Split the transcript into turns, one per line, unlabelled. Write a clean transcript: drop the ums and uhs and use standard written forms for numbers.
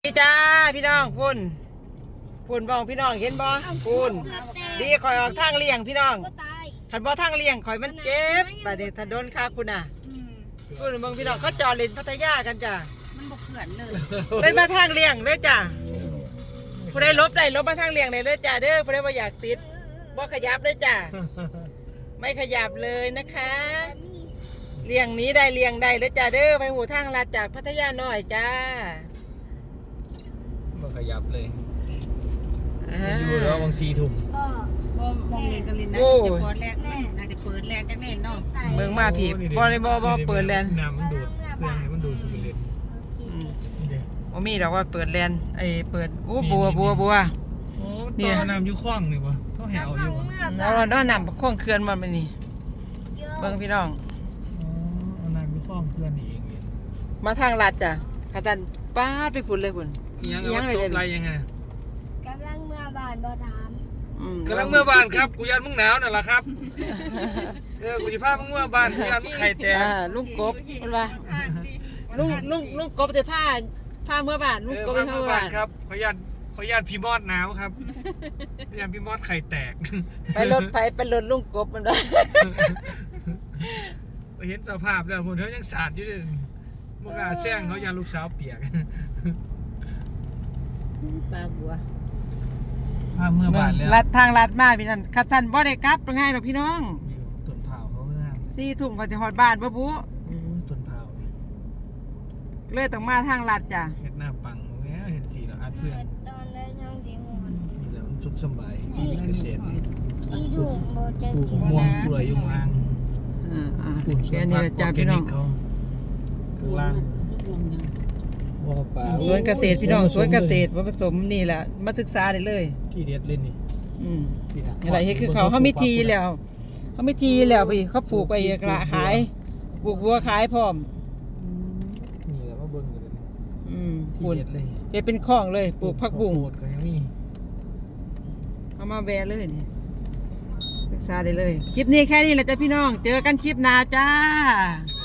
พี่จ้าพี่น้องพุ่นบ้องพี่น้องเห็นบ่พุ่นดีคอยออกทางเลี่ยงพี่น้องทันบ่ทางเลี่ยงคอยมันเจ็บบัดนี้ถ้าโดนคักพุ่นน่ะส่วนเบิ่งพี่น้องเขาจอดเล่นพัทยากันจ้ะ
มันบ่เขื่อนเลย
เป็นมาทางเลี่ยงเด้อจ้ะผู้ใดลบได้ลบมาทางเลี่ยงได้เลยจ้ะเด้อผู้ใดบ่อยากติดบ่ขยับเลยจ้ะไม่ขยับเลยนะคะเลี่ยงนี้ได้เลี่ยงได้เลยจ้ะเด้อไปหูทางลาดจากพัทยาหน่อยจ้า
บ่ขยับเลยอยู่แล้วบาง4 ทุ่ม
มองเล่นกันเล่นนะจะเปิดแรกน่าจะเปิดแรกจังแน่เนาะ
เมืองมาพี่บ่ได้บ่เปิดแลน
น้ำมันดูดเครื่องให้มันดูดไปเลย
บ่มีดอกว่าเปิดแลนเปิดโอ้บัว
โอ้เนี่ยน้ำอยู่คลองนี่บ่เขาแหวอยู่บ่
แล้วน้ำคลองเขื่อนมาเป็นนี่เบิ่งพี่น้อง
เอาน้ำอยู่คลองเขื่อนนี่เองเนี่ย
มาทางลัดจ้ะขาจันป้าดไปฝุ่นเลยคุณ
ยังเลยอะไรยังไง
กำลังเมื่อบานบ่ถาม
กำลังเมื่อบ้านครับกูยันมึงหนาวนั่นแหละครับกูจะพามึงเมื่อบ้านกูยันมึงไข่แตก
ลุงกบมันว่าลุงกบจะพาเมื่อบ้านลุงกบไปเมื่อบ้าน
ครับขอยันพี่มอดหนาวครับขอยันพี่มอดไข่แตก
ไปรถลุงกบมันว่า
เห็นสภาพแล้วผมเขายังสาดอยู่เลยพวกอาแซงเขายันลูกสาวเปียก
ปลาบัว
เมื่อบ้านแล้ว
ลัดทางลัดมาพี่นั่นขัดสันบ่ได้กลับง่ายหรอกพี่น้อง
ต้นเผาเขาห้าม
4 ทุ่มก็จะฮอดบ้านบ่บุ
ต้นเผา
เลยต้องมาทางลัดจ้ะ
เห็ดหน้าปังแหมเห็นสีแล้วอัดเพื่อน
ตอนได้ยังดีหอน
นี่แหละมันสุขสบายชีวิตเกษตรนี่
อีถุงบ่จะ
ปลูกม่วงปลูกอะไรยุ่งล่าง
ปลูกแค่นี้จ้ะพี่น้อง
เขาข้างล่าง
สวนเกษตรพี่น้องสวนเกษตรผสมนี่แหละมาศึกษาได้เลย
ที่เด็ดเล่นนี่
อะไรเฮ็ดคือเขามีทีแล้วพี่เขาปลูกไปกระขายปลูกบัวขายพร้อม
นี่แหละว่าเบิ่งกันเลยที่เด็ดเลย
เฮ็ดเป็นคลองเลยปลูกผักบุ้ง
ก็ยังมี
เอามาแวะเลยนี่ศึกษาได้เลยคลิปนี้แค่นี้แหละจ้ะพี่น้องเจอกันคลิปหน้าจ้า